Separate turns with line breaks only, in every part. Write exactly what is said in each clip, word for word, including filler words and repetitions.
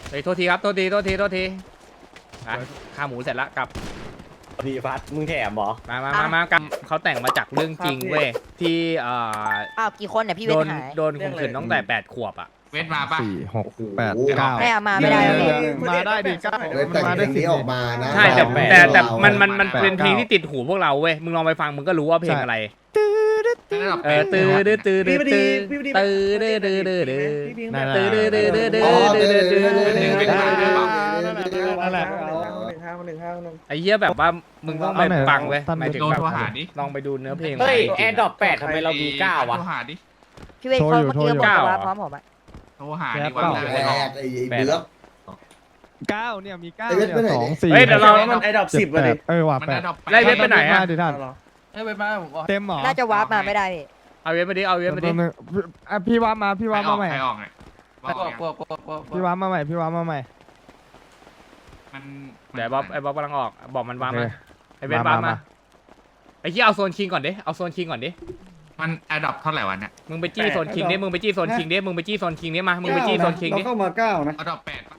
เฮ้ยโทษทีครับโทษทีโทษทีโทษทีอ่ะข้าหมูเสร็จแล้วกลับ
พี่พัดมึงแถมเหรอ
มามามามากลับเขาแต่งมาจากเรื่องจริงเว้ยที่เอ่อ
อ้าวกี่คนเนี่ยพี่เว
โด
ท
น
หาย
โดนข่มขืนตั้งแต่แปดขวบอ่ะ
เวทมาป่ะ
สี่หกแปดเก้า
ไม่เอามาไม่ได้ไม่ได้
มาได้ดิเก้า
เลยแต่งเพลงนี้ออกมานะ
ใช่แต่
บบ
แต่แต่
เรา
มันมันมัน
แปด
เป็นเพลง
เก้า
ที่ติดหูพวกเราเว้ยมึงลองไปฟังมึงก็รู้ว่าเพลงอะไร
ระดับ
เออตื้อตื้อตื้อตื้อตื้อตื้อตื้อตื้อตื้อตื้อ
นั่นแหละ
ตื้อตื้อตื้อตื้อตื้อ
อ๋อ
ตื้อ
เดี๋ยว
ตื้อ
เดี๋ยว
ตื้อ
เดี๋ยวเดี๋ยว
นั่นแหละ
ไอ้เหี้ยแบบว่ามึงต้องไปฟังเว้ยหมายถึง
โดน
แบบ
โทรหาดิ
ลองไปดูเนื้อเพลง
เฮ้ย
จริงๆ
แอร์ดรอปแปดทำไมเรามีเก้าวะ
โทรหาดิ
พี่เวทเขาเมื่อกี้ก็บอกว่าพร้อมผมอะ
โทรหาดิวัน
แป
แรก
ดไอ้ไอ้เบือก
เก้าเนี่ยมีเก้า
ไอ้เวท
เนี่ย
ไปไหน
สอง
ดิ
สี่
เฮ้ยเดี๋ยวเรา
มันไอ้ดอกสิบ
เจ็
อะ
ด
ดิ
แปดเออว่ะ
มัน
แป
ได้
ด
ดอก
ไล่เวทไปไหนอะ
มาดิท่าน
เอ้ยไปมาผมว่า
เต็มเหรอ
น่าจะวาร์ปมาไม่ได้พี่
เอาเว็บมาดิเอาเว็บมาดิ
แป๊บนึงอ่ะพี่ว่ามาพี่ว่ามาใหม่
ใครออกไง
ปวดปวดปวดปวด
พี่ว่ามาใหม่พี่ว่ามาใหม่
มัน
เดี๋ยวบ๊อบไอ้บ๊อบกำลังออกบอกมันวาง
โอเค
มาไอ้เว็บวางมาไอ้เหี้ยเอาโซนคิงก่อนดิเอาโซนคิงก่อนดิ
มันแอดดอปเท่าไหร่วันเนี่ย
มึงไปจี้โซนคิงดิมึงไปจี้โซนคิงดิมึงไปจี้โซนคิงดิมามึงไปจี้โซนคิงดิ
เราเข้ามาเก้านะ
แอดดอปแปดป่ะ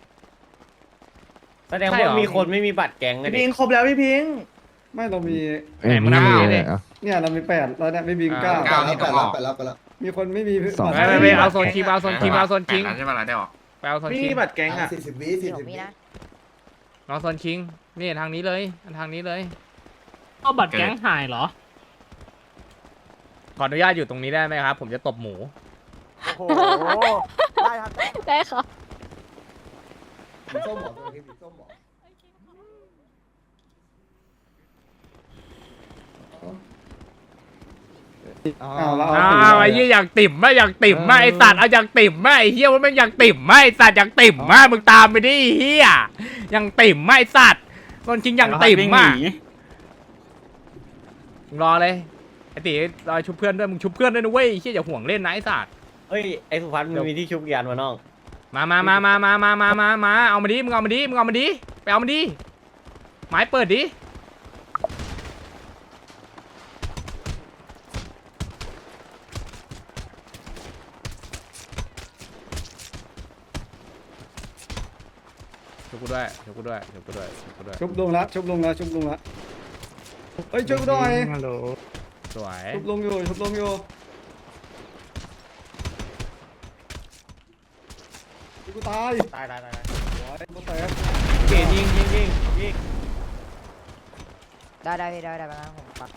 แสดงว่ามีคนไม่มีบัตรแก๊งไง
พี่
ดิ
พิงครบแล้วพี่พิงไม่เรามี
เอ้ยมึงนี่เลยอ่ะ
เนี่ยเรามีแปดแล้วเนี่ยไม่พิงเก้า
แปดแล้วแปดแล้วแปดแล้วแปดแล้ว
มีคนไม่มี
สอง
ไปไปไปเอาโซนคิงเอาโซนคิงเอาโซนคิง
แปดแล้วใช่ป่ะเราได้ออก
ไปเอาโซน
ไม่
คิง
มีบัตรแก๊งอ่ะ
สี่สิบวิสี่
พี่ห
สิ
นู
บ
มี
วิ
นะ
เอาโซนคิงนี่ทางนี้เลยทางนี้เลย
เอาบัตรแก๊งหายเหรอ
ขออนุญาตอยู่ตรงนี้ได้ไหมครับ ผมจะตบหมู
โอ้โหได้ครับ
ได้ค่ะ
สีส้มหมอตัวนี้สีส้มหมอ
อ๋อ
อ้าวเรา
อ้าวไอ้เหี้ยอยากติ่มไหมอยากติ่มไหมไอ้สัตว์เอาอยากติ่มไหมไอ้เหี้ยว่ามันอยากติ่มไหมไอ้สัตว์อยากติ่มไหมมึงตามไปดิไอ้เหี้ยยังติ่มไหมไอ้สัตว์โซนคิงยังติ่มไหมมึงรอเลยไอ้ตีรอชุบเพื่อนด้วยมึงชุบเพื่อนด้วยนะเว้ยไอ้เหี้ยอย่าห่วงเล่นนะไอ้สัตว์
เฮ้ยไอ้สุพัฒน์มันมีที่ชุบยันวะน้อง
มามามามามามามามามาเอามาดิมึงเอามาดิมึงเอามาดิไปเอามาดิไม้เปิดดิชุบกูด้วยชุบกูด้วยชุบกูด้วยชุบกูด้วย
ชุบลงแล้วชุบลงแล้วชุบลงแล้วเฮ้ยชุบหน่อย
สวย
ชุบลงอยู่ชุบลงอยู่กูตาย
ตายตายตาย
กูแตก
เก่งยิงยิงยิงยิง
ได้ได้พี่ได้ได้ไปนะผมปัก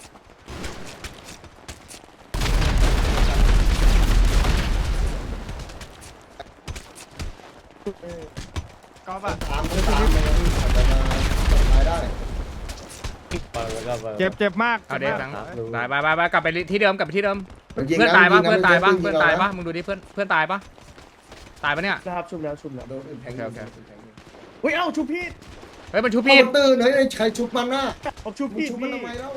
ก็แบบ
ตามตามมันอาจจะมาจับท้ายได้
เปิดแล้วก็เปิด
เจ็บเจ็บมาก
เอาเดี๋ยว
จ็
ทั้
บ
ง
มาก
ตายไปไปไปกลับไปที่เดิมกลับไปที่เดิม
มันยิง
เพื่อน
นะ
ตายปะ
ยิง
เพื่อนตายปะ
ยิง
เพื่อนตายปะมึงดูดิเพื่อนเพื่อนตายปะตายปะเนี่ย
ครับชุบแล้วชุบแล้ว
โดนแทง
โอเคโอเค
เฮ้ยเอ้าชุบพี่
เฮ้ยมันชุบ
พี่
พี่
ตื่นเฮ้ยใครชุบมันน่ะ
ผมชุบ
มึง
พี่
ชุบมัน
พี่
ทำไมเล่า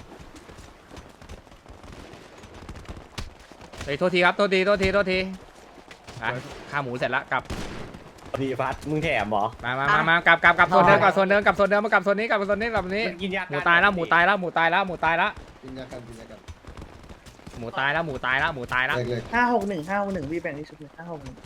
เฮ้ยโทษทีครับโทษทีโทษทีโทษทีอ่ะข้าหมูเสร็จแล้วกลับ
พี่พัดมึงแถมเหรอ
มามามามากลับกลับกลับโซนเดิมกลับโซนเดิมกลับโซนเดิมมากลับโซนนี้กลับโซนนี้กลับโซนนี้
มันกินยา
หมูตายแล้วหมูตายแล้วหมูตายแล้วหมูตายแล้ว
กินยากันกินยากัน
หมูตายแล้วหมูตายแล้วหมูตายแล้ว
เล็กเล็ก
ห้าหกหนึ่งห้าหกหนึ่งพี่แบ่งที่ชุบเลยห้าหกหนึ่ง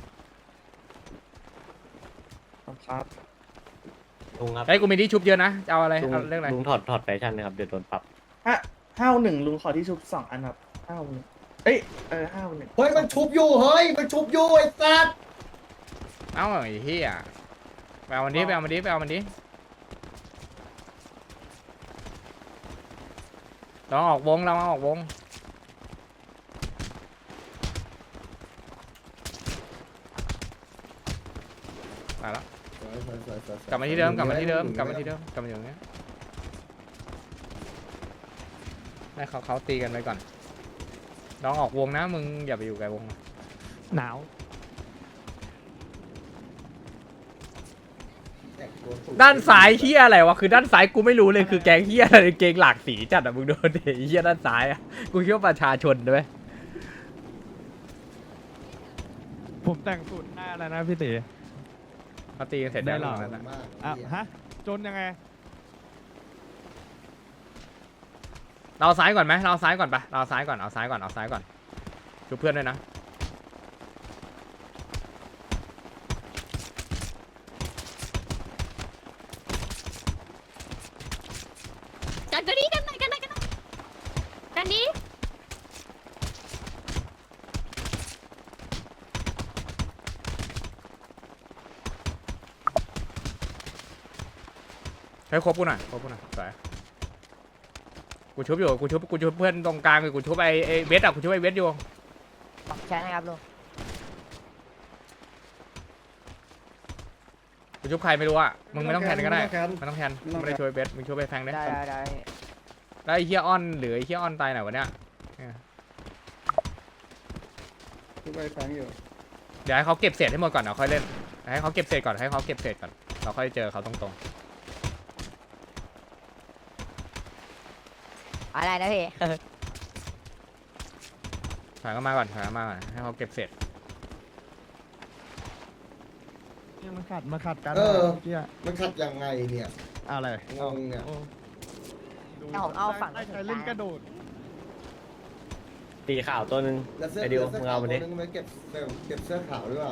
ครับ
ลุงครับ
เฮ้ยกูมีที่ชุบเยอะนะจะเอาอะไร
ลุง
เอาเรื่องอะไร
ลุงถอดถอดแฟชั่นนะครับเดี๋ยวโดนปรับ
ห้าห้าหกหนึ่งลุงขอที่ชุบสองอันครับห้าหกหนึ่งเอ้ยเออห้าหกหนึ่ง
เฮ้ยมันชุบอยู่เฮ้ยมันชุบอยู่ไอ้สัตว์
เอ้าไอ้เหี้ยไปเอามันดิไปเอามันดิไปเอามันดิลองออกวงลองออกวงไปแล้ว กลับมาที่เดิมกลับมาที่เดิมกลับมาที่เดิมกลับมาอย่างเงี้ยให้เขาเขาตีกันไปก่อนลองออกวงนะมึงอย่าไปอยู่ไกลวง
หนาว
ด้านซ้ายเฮียอะไรวะคือด้านซ้ายกูไม่รู้เลยคือแกงเฮียอะไรเกงหลากสีจัดอะมึงโดนเด็เฮียด้านซ้ายอะกูคิดว่าประชาชนด้วย
ผมแต่งสูตรหน้าแล้วนะพี่ตี
เขาตีกันเสร็จได้หรอนั่นน่ะ
อ่ะฮะจนยังไง
เราเอาซ้ายก่อนไหมเราเอาซ้ายก่อนปะเราเอาซ้ายก่อนเอาซ้ายก่อนเอาซ้ายก่อนชูเพื่อนด้วยนะ
กันกันนี้กันไหนกันไหนกันไหนกันนี้
ให้ครบกูหน่อยครบกูหน่อยสวยกูชุบอยู่กูชุบกูชุบเพื่อนตรงกลางอยู่กูชุบไอ้ไอ้เวทอ่ะกูชุบไอ้เวทอยู่
ใช่นะครับลุง
กูชุบใครไม่รู้อ่ะมึงไม่ต้องแทนก็ได้ไม่ต้องแทนไม่ได้ช่วยเวทมึงช่วยไปแฟงได้
ได้ได้ได้
แล้วไอ้เฮียออนหรือไอ้เฮียออนตายไหนวะเนี่ย
ทุกไปแฟงอยู่
เดี๋ยวให้เขาเก็บเศษให้หมดก่อนเดี๋ยวค่อยเล่นให้เขาเก็บเศษก่อนให้เขาเก็บเศษก่อนเราค่อยเจอเขาตรง
อะไรนะพี่
ๆถอยเข้ามาก่อนถอยเข้ามาก่อนให้เขาเก็บเศษ
เนี่ยมันขัดมาขัดกัน
เออ
เมื่อกี้อะ
มันขัดยังไงเนี่ย
อะไร
งงเนี่ย
โอ้ดู
เอาผมเอาฝั่ง
ได้ใครเล่นกระโดด
ตีข่าวตัวหนึง
แล้วเสื้อ
ไอเดียว
เสื้อ
มึง
ขา
เอา
ว
มา
ตัว
ดิ
นึงมันเก็บเสื้อเก็บเสื้อขาวด้วยว่ะ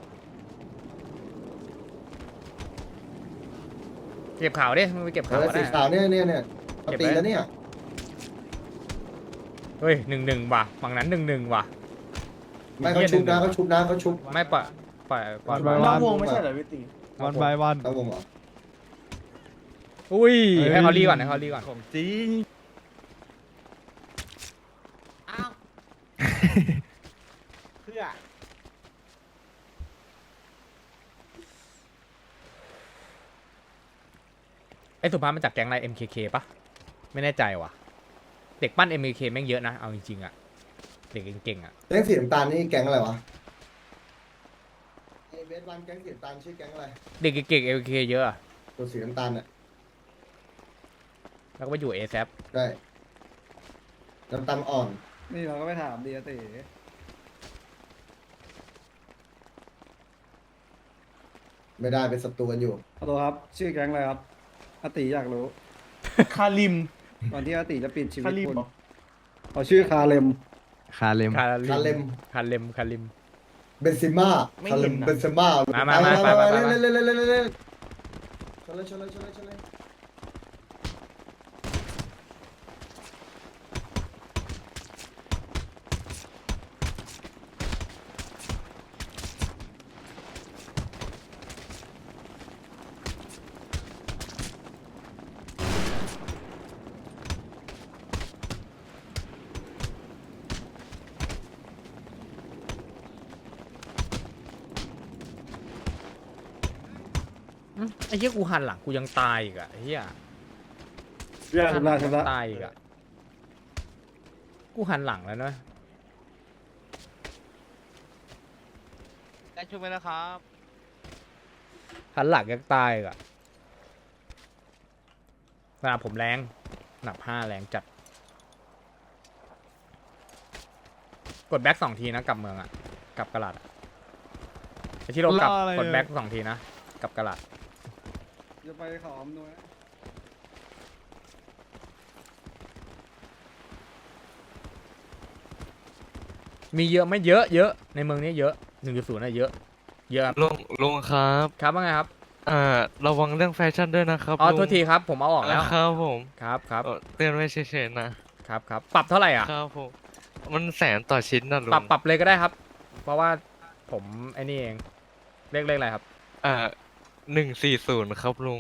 เก็บข่าวดิมึงไปเก็บ
เอ
ข่าว
อ
ก็
สี
ได้
ขาวเนี่ยเนี่ยเนี่ย
เก็บไว้
ตีแล้วเนี่ย
เฮ้ยหนึ่งหนึ่งว่ะฝั่งนั้นหนึ่งหนึ่งว่ะ
ไม่เขาชุบนะเขาชุบนะเขาชุบ
ไม่ปล่อยปล่อยปล่อย
ปล่อย
นอกวงไม่ใช่เหรอพี่ตี
วันบายวัน
เอาวงเหรอ
อุ้ยให้เขารีก่อนให้เขารีก่อน
ของจริง
อ้าวเพื่อ
ไอ้สุภาพมาจากแก๊งอะไร เอ็ม เค เค ปะไม่แน่ใจว่ะเด็กปั้น เอ็ม เค เค แม่งเยอะนะเอาจริงๆอ่ะเด็กเก่งๆอ่ะ
แก๊งสีน้ำตาลนี่แก๊งอะไรวะไอเบสวันแก๊งสีน้ำตาลชื่อแก๊งอะไร
เด็กเก่งๆ เอ็ม เค เค เยอะอะ
ตัวสีน้ำตาลเนี่ย
แล้วก็ไปอยู่ เอ แซป
ได้น้ำตาลอ่อน
นี่เราก็ไปถามดีอาติ
ไม่ได้เป็นศัตรูกันอยู่
ขอโทษครับ ชื่อแก๊งอะไรครับอาติอยากรู้
คาริม
ก่อนที่อาติจะปิดชีวิ
คา
ต
ริม
คุณ
เหรอ
เขาชื่อคาเลม
คาเลม
คา
คาเลม
คาเลมคาเลม
เบนซิม่า
ไม่
คาเล
เห็
ม
นนะ
เบนซิม่า
มามามาไปไปไปไป
เล่นเล่นเล่นเล่นเล่นเล่นชนเลยชนเลยชนเลยชนเลย
อืมไอ้เหี้ยกูหันหลังกูยังตายอีกอะไอ้เหี้ย
เรื่องชำระชำระ
ตายอีกอะกูหันหลังแล้วเนอะ
ได้ช่วยไหมนะครับ
หันหลังยังตายอีกอะสนามผมแรงหนับห้าแรงจัดกดแบ็กสองทีนะกลับเมืองอะกลับกระดาษอะไอ้ที่เรากลับ
รออะไร
กด
เนี่ย
แบ็กสองทีนะกลับกระดาษ
จะไปขออำนวย
มีเยอะไม่เยอะเยอะในเมืองนี้เยอะหนึ่งจุดศูนย์อะเยอะเยอะครับ
ลุงลุงครับ
ครับว่าไงครับ
อ่าระวังเรื่องแฟชั่นด้วยนะครับ
อ๋อ
ลุง
โทษทีครับผมเอาออกแล้ว
ครับผม
ครับครับ
เอ่อเตือนไว้เฉยๆนะครับ
ครับปรับเท่าไหร่อ่ะ
ครับผมมันแสนต่อชิ้นนะลุง
ปรับปรับเลยก็ได้ครับ เพราะว่าผมไอ้นี่เองเลขเลขอะไรครับ
อ่าหนึ่งสี่ศูนย์ครับลุง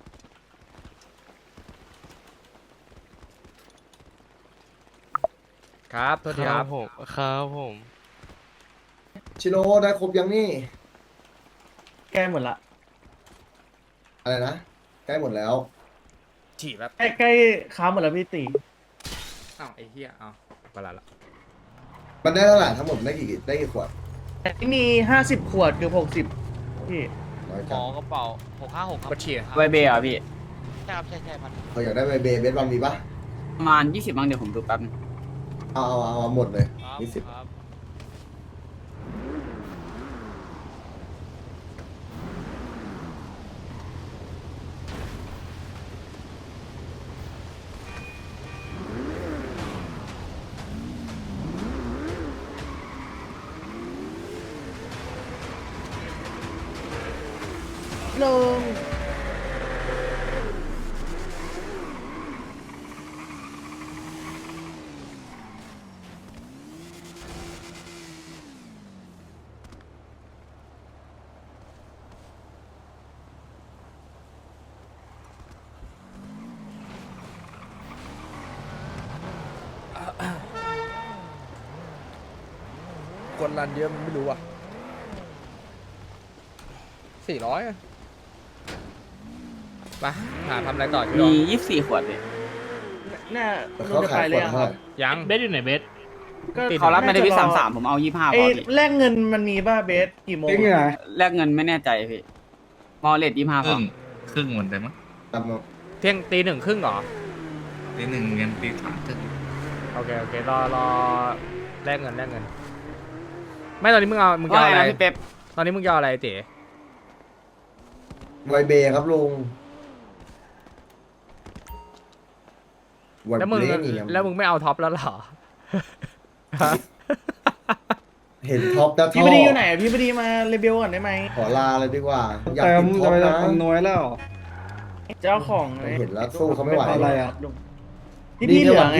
ครับโทษทีครับ
ผมครับผม
ชิโร่ได้ครบยังนี่
แก้หมดละ
อะไรนะใกล้หมดแล้ว
ฉี่แบบ
ใกล้ใกล้ค้าหมดแล้วพี่ตี
อ้าวไอ้เหี้ยอ้าวเวลาละ
มันได้เท่าไหร่ทั้งหมดได้กี่ได้กี่ขวด
ที่มีห้าสิบขวดคือหกสิบพี่
น้อย
หม
จัง
อกระเป๋าหกห้าหกครับ
กดฉี่
ไวเบย์อ่ะพี่ ใช่ครับ ใช่ใช่พัน
เขาอยากได้ใบเบย์เบสบอลมีปะ
ประมาณยี่สิบมั้งเดี๋ยวผมดูแป๊บนึง
เอาเอาเอาเอาหมดเลย
ครับ
ยี่สิบ
ครับ
ลง
คนรันเยอะมันไม่รู้อ่ะสี่ร้อยไปหาทำอะไรต่อชิโร่
มียี่สิบสี่ขวดพี่
น่า
แต่
ลุ
เขา
งจะ
ขา
ไป
ย
เลย
ขวด
อะค
เท่า
รั
ไห
บ
ร่
ยังเบสอยู่ไหนเบส
ก็
เขารับไม่ได้พี่
น่
สาม
จะรอ
สามผมเอายี่ห้าพ
ไอ้
อพี่
แลกเงินมันมีป่ะเบสกี่โมง
จริงเหรอ
แลกเงินไม่แน่ใจพี่มอเลทยี่ห้า
ค
พอ
รึ่งครึ่งเหมือนเดิมมั้ง
ตามมา
เที่ยงตีหนึ่งครึ่งเหรอ
ตีหนึ่งเงินตีสามครึ่ง
โอเคโอเครอรอแลกเงินแลกเงิน ไม่ตอนนี้มึงเอามึงจะ
ว่า
เอา
ไง
อะไร
นะพี่เป๊ป
ตอนนี้มึงจะเอาอะไรเต๋
ไวเบย์ครับลุงไว
แล้ว
เบ
มึง
ย์นี่ครับ
แล้วมึงไม่เอาท็อปแล้วเหรอ
เห็นท็อปแล้วท่
พี่
อ
พอดีอยู่ไหนพี่พอดีมาเลเบลก่อนได้ไหม
ขอลาเลยดีกว่า อยาก
แต่
กิน
มึง
ท็อ
จะ
ป
ไป
นะ
ทำน้อยแล้ว
เจ้าของ
ผมเห็นแล้วสู้เขาไม่ไหว
อะไรอะ
ที่นี่เหลือไง